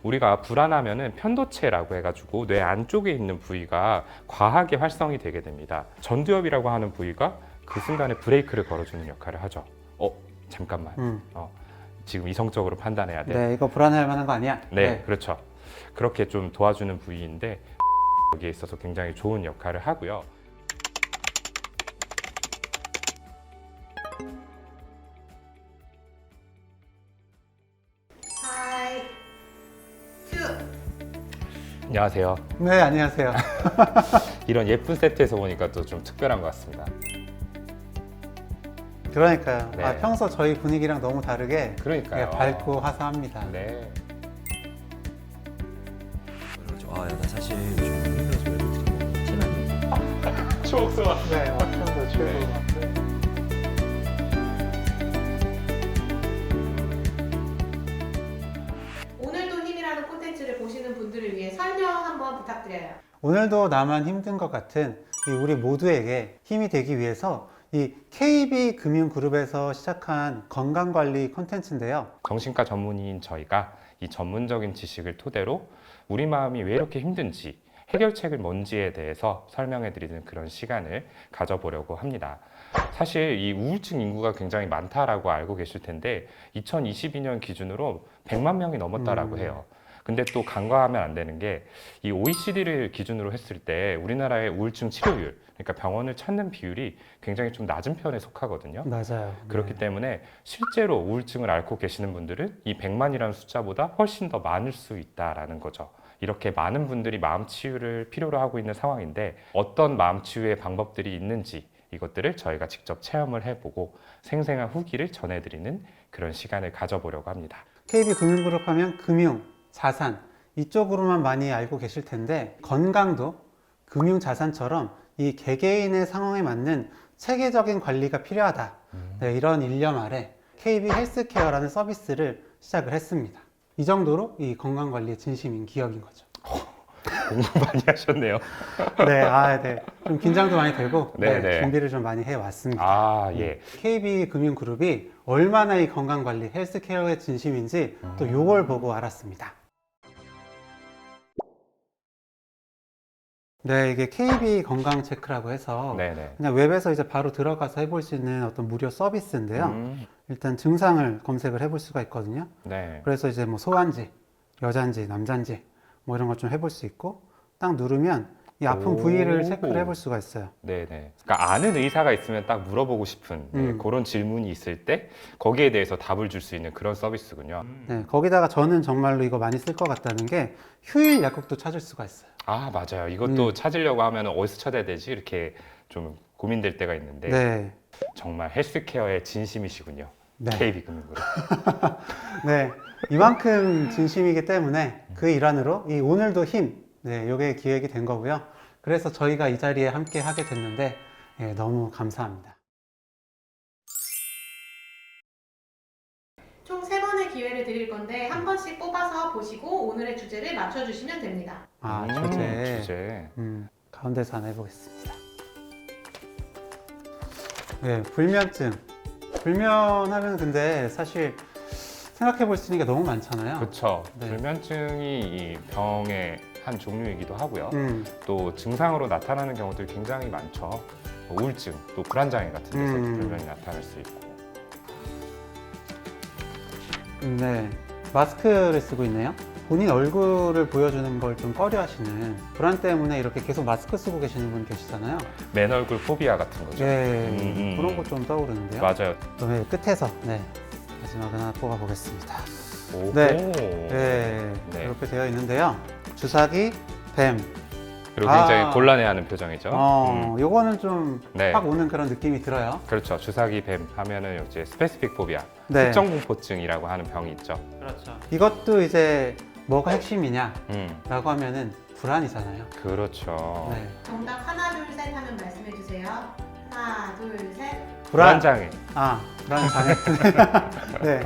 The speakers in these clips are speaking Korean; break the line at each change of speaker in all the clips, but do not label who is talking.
우리가 불안하면은 편도체라고 해가지고 뇌 안쪽에 있는 부위가 과하게 활성이 되게 됩니다. 전두엽이라고 하는 부위가 그 순간에 브레이크를 걸어주는 역할을 하죠. 잠깐만. 지금 이성적으로 판단해야 돼.
네, 이거 불안해할 만한 거 아니야?
네, 그렇죠. 그렇게 좀 도와주는 부위인데 여기에 있어서 굉장히 좋은 역할을 하고요.
하이 큐.
안녕하세요.
네, 안녕하세요.
이런 예쁜 세트에서 보니까 또 좀 특별한 것 같습니다.
그러니까요.
네.
평소 저희 분위기랑 너무 다르게
그러니까요.
밝고 화사합니다.
네.
그렇죠. 나 사실 요즘 힘들어서 외롭지 티나요.
추억 소환.
네, wak형도 최고.
네.
오늘도 힘이라는 콘텐츠를 보시는 분들을 위해 설명 한번 부탁드려요.
오늘도 나만 힘든 것 같은 이 우리 모두에게 힘이 되기 위해서 이 KB금융그룹에서 시작한 건강관리 콘텐츠인데요.
정신과 전문의인 저희가 이 전문적인 지식을 토대로 우리 마음이 왜 이렇게 힘든지 해결책을 뭔지에 대해서 설명해 드리는 그런 시간을 가져보려고 합니다. 사실 이 우울증 인구가 굉장히 많다라고 알고 계실 텐데 2022년 기준으로 100만 명이 넘었다라고 해요. 근데 또 간과하면 안 되는 게 이 OECD를 기준으로 했을 때 우리나라의 우울증 치료율, 그러니까 병원을 찾는 비율이 굉장히 좀 낮은 편에 속하거든요.
맞아요.
그렇기 때문에 실제로 우울증을 앓고 계시는 분들은 이 100만이라는 숫자보다 훨씬 더 많을 수 있다라는 거죠. 이렇게 많은 분들이 마음 치유를 필요로 하고 있는 상황인데 어떤 마음 치유의 방법들이 있는지 이것들을 저희가 직접 체험을 해보고 생생한 후기를 전해드리는 그런 시간을 가져보려고 합니다.
KB금융그룹 하면 금융, 자산 이쪽으로만 많이 알고 계실 텐데 건강도 금융 자산처럼 이 개개인의 상황에 맞는 체계적인 관리가 필요하다. 네, 이런 일념 아래 KB 헬스케어라는 서비스를 시작을 했습니다. 이 정도로 이 건강관리에 진심인 기업인 거죠.
공부 많이 하셨네요.
네. 좀 긴장도 많이 되고
네.
준비를 좀 많이 해왔습니다.
예.
KB금융그룹이 얼마나 이 건강관리, 헬스케어에 진심인지 또 요걸 보고 알았습니다. 네, 이게 KB 건강 체크라고 해서
네네.
그냥 웹에서 이제 바로 들어가서 해볼 수 있는 어떤 무료 서비스인데요. 일단 증상을 검색을 해볼 수가 있거든요.
네.
그래서 이제 뭐 소환지, 여잔지, 남잔지 뭐 이런 것 좀 해볼 수 있고 딱 누르면 이 아픈 부위를 체크를 해볼 수가 있어요.
네네. 그러니까 아는 의사가 있으면 딱 물어보고 싶은 그런 질문이 있을 때 거기에 대해서 답을 줄 수 있는 그런 서비스군요.
네, 거기다가 저는 정말로 이거 많이 쓸 것 같다는 게 휴일 약국도 찾을 수가 있어요.
아, 맞아요. 이것도 찾으려고 하면 어디서 찾아야 되지? 이렇게 좀 고민될 때가 있는데
네.
정말 헬스케어의 진심이시군요.
네.
KB금융그룹.
네, 이만큼 진심이기 때문에 그 일환으로 이 오늘도 힘, 네, 요게 기획이 된 거고요. 그래서 저희가 이 자리에 함께 하게 됐는데 너무 감사합니다.
총 3번의 기회를 드릴 건데 한 번씩 뽑아서 보시고 오늘의 주제를 맞춰주시면 됩니다.
주제. 가운데서 하나 해보겠습니다. 네, 불면증. 불면하면 근데 사실 생각해 볼 수 있는 게 너무 많잖아요.
그렇죠.
네.
불면증이 이 병의 한 종류이기도 하고요.
또
또 증상으로 나타나는 경우들이 굉장히 많죠. 뭐 우울증, 또 불안장애 같은 데서 불면이 나타날 수 있고.
네, 마스크를 쓰고 있네요. 본인 얼굴을 보여주는 걸 좀 꺼려 하시는 불안 때문에 이렇게 계속 마스크 쓰고 계시는 분 계시잖아요.
맨 얼굴 포비아 같은 거죠.
네, 그런 거 좀 떠오르는데요.
맞아요.
그다음에 끝에서 마지막을 하나 뽑아보겠습니다.
오호.
네, 이렇게 되어 있는데요. 주사기, 뱀.
그리고 굉장히 곤란해하는 표정이죠.
요거는 좀 확
네.
오는 그런 느낌이 들어요.
그렇죠. 주사기 뱀 하면은 이제 스페시픽 포비아,
네.
특정 공포증이라고 하는 병이 있죠.
그렇죠. 이것도 이제 뭐가 핵심이냐라고 하면은 불안이잖아요.
그렇죠.
네.
정답 하나 둘 셋 하면 말씀해 주세요. 하나 둘 셋.
불안장애.
불안 장애. 네.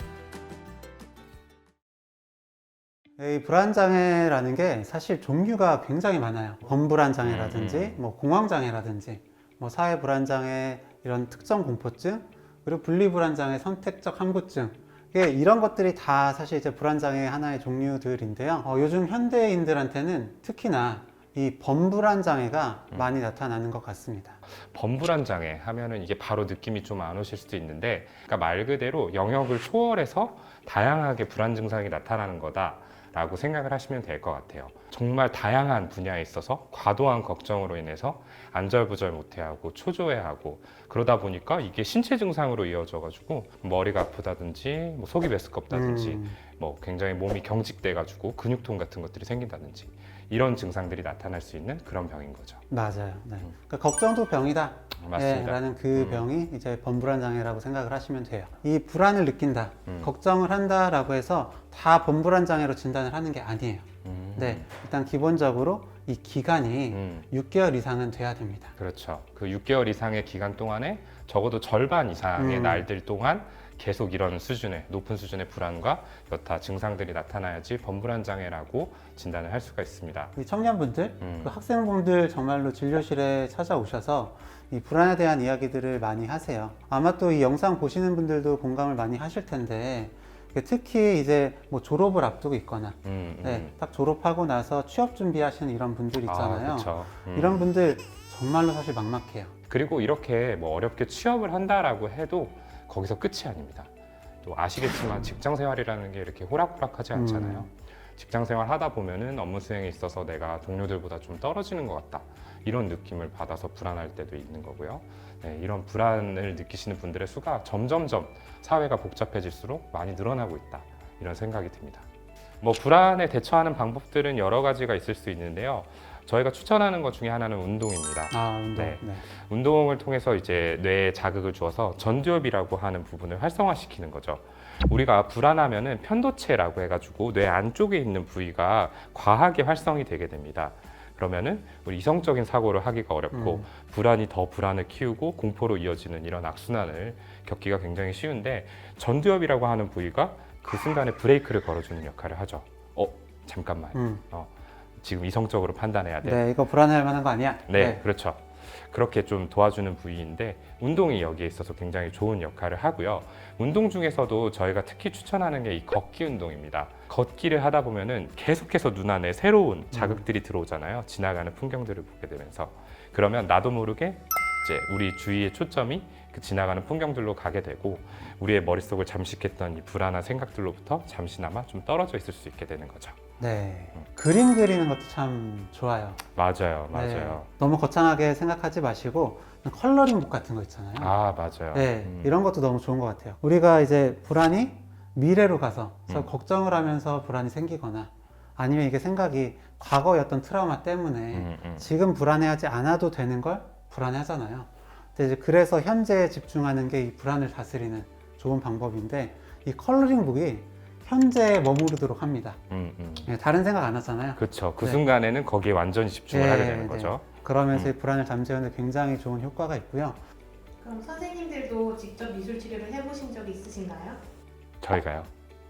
이 불안장애라는 게 사실 종류가 굉장히 많아요. 범불안장애라든지, 뭐 공황장애라든지, 뭐 사회불안장애, 이런 특정 공포증, 그리고 분리불안장애, 선택적 함구증, 이런 것들이 다 사실 이제 불안장애 하나의 종류들인데요. 요즘 현대인들한테는 특히나 이 범불안 장애가 많이 나타나는 것 같습니다.
범불안 장애 하면은 이게 바로 느낌이 좀 안 오실 수도 있는데, 그러니까 말 그대로 영역을 초월해서 다양하게 불안 증상이 나타나는 거다라고 생각을 하시면 될 것 같아요. 정말 다양한 분야에 있어서 과도한 걱정으로 인해서 안절부절 못해하고 초조해하고 그러다 보니까 이게 신체 증상으로 이어져가지고 머리가 아프다든지 뭐 속이 메스껍다든지 뭐 굉장히 몸이 경직돼가지고 근육통 같은 것들이 생긴다든지 이런 증상들이 나타날 수 있는 그런 병인 거죠.
맞아요. 네. 그러니까 걱정도 병이다.
맞습니다.
라는 그 병이 이제 범불안 장애라고 생각을 하시면 돼요. 이 불안을 느낀다, 걱정을 한다라고 해서 다 범불안 장애로 진단을 하는 게 아니에요. 네, 일단 기본적으로 이 기간이 6개월 이상은 돼야 됩니다.
그렇죠. 그 6개월 이상의 기간 동안에 적어도 절반 이상의 날들 동안 계속 이런 수준의 높은 수준의 불안과 여타 증상들이 나타나야지 범불안 장애라고 진단을 할 수가 있습니다.
이 청년분들, 그 학생분들 정말로 진료실에 찾아오셔서 이 불안에 대한 이야기들을 많이 하세요. 아마 또 이 영상 보시는 분들도 공감을 많이 하실 텐데, 특히 이제 뭐 졸업을 앞두고 있거나, 네, 딱 졸업하고 나서 취업 준비하시는 이런 분들 있잖아요.
그렇죠.
이런 분들 정말로 사실 막막해요.
그리고 이렇게 뭐 어렵게 취업을 한다라고 해도 거기서 끝이 아닙니다. 또 아시겠지만 직장 생활이라는 게 이렇게 호락호락하지 않잖아요. 직장 생활 하다 보면은 업무 수행에 있어서 내가 동료들보다 좀 떨어지는 것 같다, 이런 느낌을 받아서 불안할 때도 있는 거고요. 네, 이런 불안을 느끼시는 분들의 수가 점점점 사회가 복잡해질수록 많이 늘어나고 있다, 이런 생각이 듭니다. 뭐 불안에 대처하는 방법들은 여러 가지가 있을 수 있는데요. 저희가 추천하는 것 중에 하나는 운동입니다.
운동.
네.
네.
운동을 통해서 이제 뇌에 자극을 주어서 전두엽이라고 하는 부분을 활성화시키는 거죠. 우리가 불안하면은 편도체라고 해가지고 뇌 안쪽에 있는 부위가 과하게 활성이 되게 됩니다. 그러면은 우리 이성적인 사고를 하기가 어렵고 불안이 더 불안을 키우고 공포로 이어지는 이런 악순환을 겪기가 굉장히 쉬운데, 전두엽이라고 하는 부위가 그 순간에 브레이크를 걸어주는 역할을 하죠. 잠깐만. 지금 이성적으로 판단해야 돼.
네, 이거 불안해할 만한 거 아니야?
네, 그렇죠. 그렇게 좀 도와주는 부위인데 운동이 여기에 있어서 굉장히 좋은 역할을 하고요. 운동 중에서도 저희가 특히 추천하는 게 이 걷기 운동입니다. 걷기를 하다 보면은 계속해서 눈 안에 새로운 자극들이 들어오잖아요. 지나가는 풍경들을 보게 되면서. 그러면 나도 모르게 이제 우리 주위의 초점이 그 지나가는 풍경들로 가게 되고 우리의 머릿속을 잠식했던 이 불안한 생각들로부터 잠시나마 좀 떨어져 있을 수 있게 되는 거죠.
네. 그림 그리는 것도 참 좋아요.
맞아요.
네. 너무 거창하게 생각하지 마시고 컬러링북 같은 거 있잖아요.
맞아요.
네, 이런 것도 너무 좋은 것 같아요. 우리가 이제 불안이 미래로 가서 걱정을 하면서 불안이 생기거나 아니면 이게 생각이 과거의 트라우마 때문에 지금 불안해하지 않아도 되는 걸 불안해하잖아요. 근데 이제 그래서 현재에 집중하는 게 이 불안을 다스리는 좋은 방법인데, 이 컬러링북이 현재에 머무르도록 합니다. 네, 다른 생각 안 하잖아요.
그렇죠. 그
네.
순간에는 거기에 완전히 집중을 하게 되는 거죠.
그러면서 이 불안을 잠재우는 데 굉장히 좋은 효과가 있고요.
그럼 선생님들도 직접 미술 치료를 해보신 적이 있으신가요?
저희가요?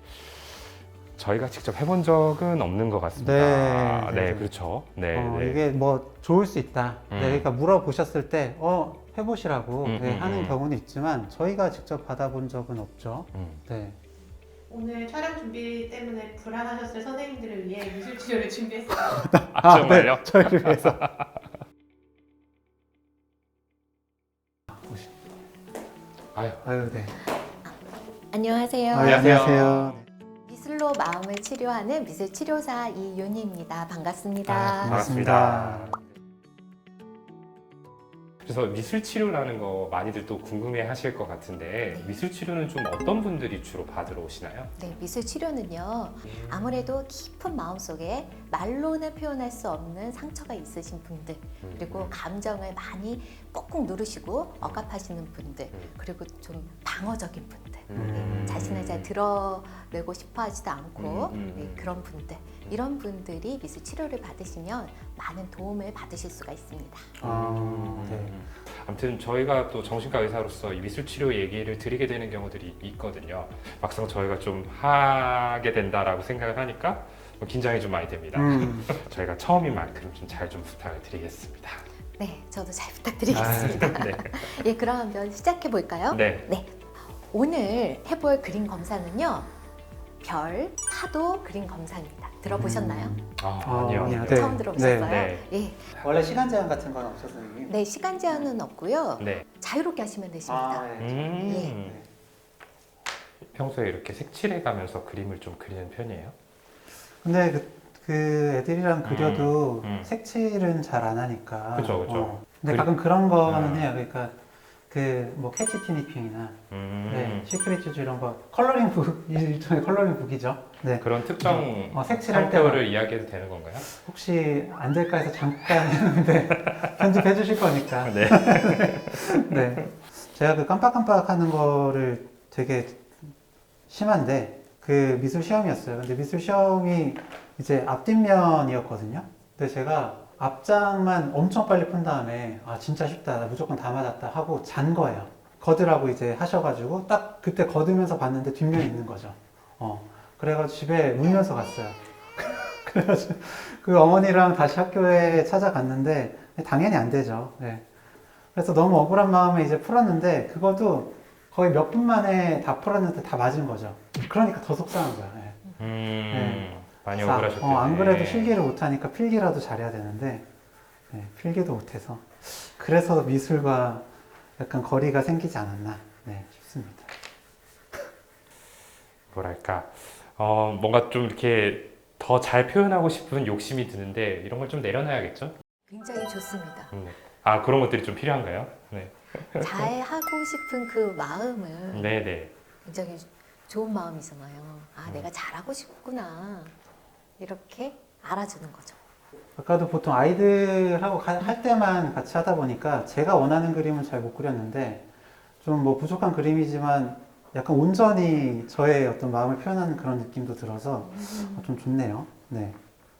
저희가 직접 해본 적은 없는 것 같습니다.
네.
그렇죠. 네.
이게 뭐 좋을 수 있다. 네, 그러니까 물어보셨을 때 해보시라고 하는 경우는 있지만 저희가 직접 받아본 적은 없죠. 네.
오늘 촬영 준비 때문에 불안하셨을 선생님들을 위해 미술 치료를 준비했어요.
정말요?
네, 저희를 위해서. 아유, 네.
안녕하세요.
안녕하세요.
미술로 마음을 치료하는 미술치료사 이윤희입니다. 반갑습니다.
반갑습니다.
그래서 미술 치료라는 거 많이들 또 궁금해 하실 것 같은데 미술 치료는 좀 어떤 분들이 주로 받으러 오시나요?
네, 미술 치료는요. 아무래도 깊은 마음속에 말로는 표현할 수 없는 상처가 있으신 분들, 그리고 감정을 많이 꾹꾹 누르시고 억압하시는 분들, 그리고 좀 방어적인 분들, 자신을 잘 드러내고 싶어 하지도 않고 그런 분들, 이런 분들이 미술 치료를 받으시면 많은 도움을 받으실 수가 있습니다.
네.
아무튼 저희가 또 정신과 의사로서 이 미술 치료 얘기를 드리게 되는 경우들이 있거든요. 막상 저희가 좀 하게 된다라고 생각을 하니까 긴장이 좀 많이 됩니다. 저희가 처음인 만큼 좀 잘 좀 부탁을 드리겠습니다.
네, 저도 잘 부탁드리겠습니다.
네.
예, 그러면 시작해 볼까요?
네.
오늘 해볼 그림 검사는요. 별, 파도 그림 검사입니다. 들어보셨나요?
아니요.
아니요. 네.
처음 들어보셨어요?
네.
예.
원래 시간 제한 같은 건 없어서 선생님?
네, 시간 제한은 없고요.
네.
자유롭게 하시면 되십니다.
네.
평소에 이렇게 색칠해 가면서 그림을 좀 그리는 편이에요?
근데 그 애들이랑 그려도
음.
색칠은 잘 안 하니까.
그죠.
근데 가끔 그런 거는
음.
해요. 그러니까 그 뭐 캐치 티니핑이나 네,
음.
시크릿 주주 이런 거 컬러링 북 일종의 컬러링 북이죠. 네.
그런 특정
색칠할
상표를 이야기해도 되는 건가요?
혹시 안 될까 해서 잠깐 했는데 편집해 주실 거니까.
네.
네. 제가 그 깜빡깜빡 하는 거를 되게 심한데 그 미술 시험이었어요. 근데 미술 시험이 이제 앞뒷면이었거든요. 근데 제가 앞장만 엄청 빨리 푼 다음에 아 진짜 쉽다. 나 무조건 다 맞았다 하고 잔 거예요. 거드라고 이제 하셔가지고 딱 그때 거두면서 봤는데 뒷면이 있는 거죠. 그래가지고 집에 울면서 갔어요. 그래가지고 그 어머니랑 다시 학교에 찾아갔는데 당연히 안 되죠. 네. 그래서 너무 억울한 마음에 이제 풀었는데 그것도 거의 몇 분 만에 다 풀었는데 다 맞은 거죠. 그러니까 더 속상한 거야. 네.
많이
그래서
억울하셨겠네.
안 그래도 실기를 못하니까 필기라도 잘해야 되는데 필기도 못해서 그래서 미술과 약간 거리가 생기지 않았나 싶습니다.
뭐랄까 뭔가 좀 이렇게 더 잘 표현하고 싶은 욕심이 드는데 이런 걸 좀 내려놔야겠죠?
굉장히 좋습니다.
아 그런 것들이 좀 필요한가요? 네.
잘 하고 싶은 그 마음은
네네.
굉장히 좋은 마음이잖아요. 아, 내가 잘하고 싶구나. 이렇게 알아주는 거죠.
아까도 보통 아이들하고 할 때만 같이 하다 보니까 제가 원하는 그림은 잘 못 그렸는데 좀 뭐 부족한 그림이지만 약간 온전히 저의 어떤 마음을 표현하는 그런 느낌도 들어서 좀 좋네요. 네.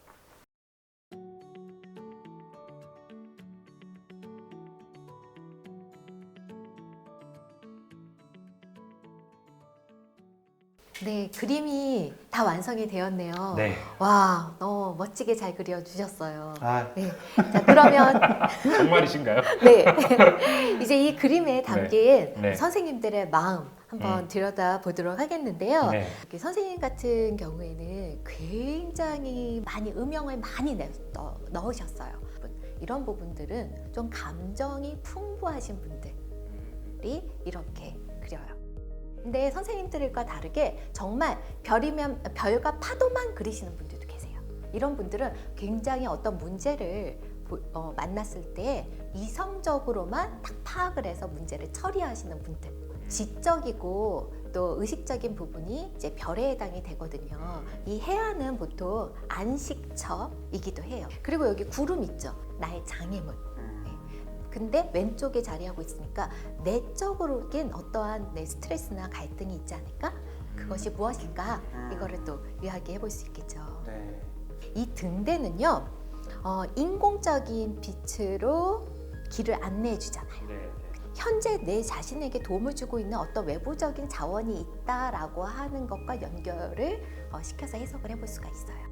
네, 그림이 다 완성이 되었네요.
네.
와, 너무 멋지게 잘 그려주셨어요.
아,
네. 자, 그러면,
정말이신가요?
네. 이제 이 그림에 담긴
네.
선생님들의 마음 한번 들여다 보도록 하겠는데요.
네.
이렇게 선생님 같은 경우에는 굉장히 많이 음영을 많이 넣으셨어요. 이런 부분들은 좀 감정이 풍부하신 분들이 이렇게 그려요. 근데 선생님들과 다르게 정말 별이면 별과 파도만 그리시는 분들도 계세요. 이런 분들은 굉장히 어떤 문제를 만났을 때 이성적으로만 딱 파악을 해서 문제를 처리하시는 분들. 지적이고 또 의식적인 부분이 이제 별에 해당이 되거든요. 이 해안은 보통 안식처이기도 해요. 그리고 여기 구름 있죠. 나의 장애물. 근데 왼쪽에 자리하고 있으니까 내적으로긴 어떠한 내 스트레스나 갈등이 있지 않을까? 그것이 무엇일까? 이거를 또 이야기해 볼 수 있겠죠.
네.
이 등대는요, 인공적인 빛으로 길을 안내해 주잖아요.
네.
현재 내 자신에게 도움을 주고 있는 어떤 외부적인 자원이 있다라고 하는 것과 연결을 시켜서 해석을 해볼 수가 있어요.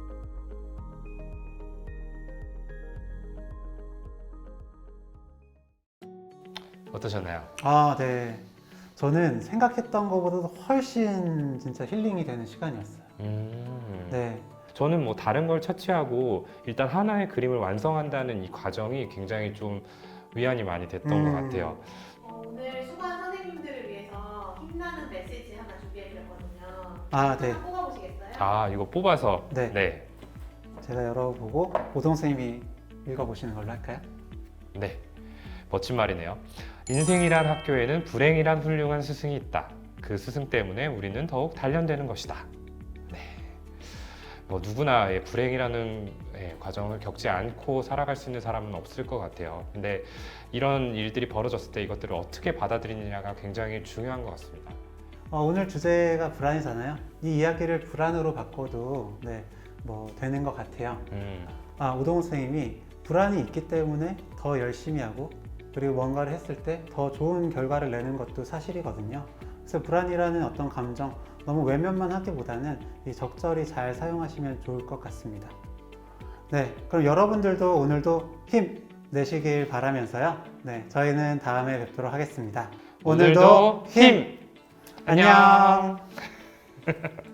어떠셨나요?
아, 네. 저는 생각했던 것보다도 훨씬 진짜 힐링이 되는 시간이었어요. 네.
저는 뭐 다른 걸 차치하고 일단 하나의 그림을 완성한다는 이 과정이 굉장히 좀 위안이 많이 됐던 것 같아요.
오늘 수고한 선생님들을 위해서 힘나는 메시지 하나 준비해드렸거든요.
아, 네.
하나 뽑아보시겠어요?
아 이거 뽑아서
네.
네.
제가 열어보고 오동 선생님이 읽어보시는 걸로 할까요?
네. 멋진 말이네요. 인생이란 학교에는 불행이란 훌륭한 스승이 있다. 그 스승 때문에 우리는 더욱 단련되는 것이다. 네. 뭐 누구나 불행이라는 과정을 겪지 않고 살아갈 수 있는 사람은 없을 것 같아요. 근데 이런 일들이 벌어졌을 때 이것들을 어떻게 받아들이느냐가 굉장히 중요한 것 같습니다.
오늘 주제가 불안이잖아요. 이 이야기를 불안으로 바꿔도 뭐 되는 것 같아요. 오동훈 선생님이 불안이 있기 때문에 더 열심히 하고 그리고 뭔가를 했을 때 더 좋은 결과를 내는 것도 사실이거든요. 그래서 불안이라는 어떤 감정 너무 외면만 하기보다는 적절히 잘 사용하시면 좋을 것 같습니다. 네, 그럼 여러분들도 오늘도 힘 내시길 바라면서요. 네, 저희는 다음에 뵙도록 하겠습니다.
오늘도 힘!
안녕.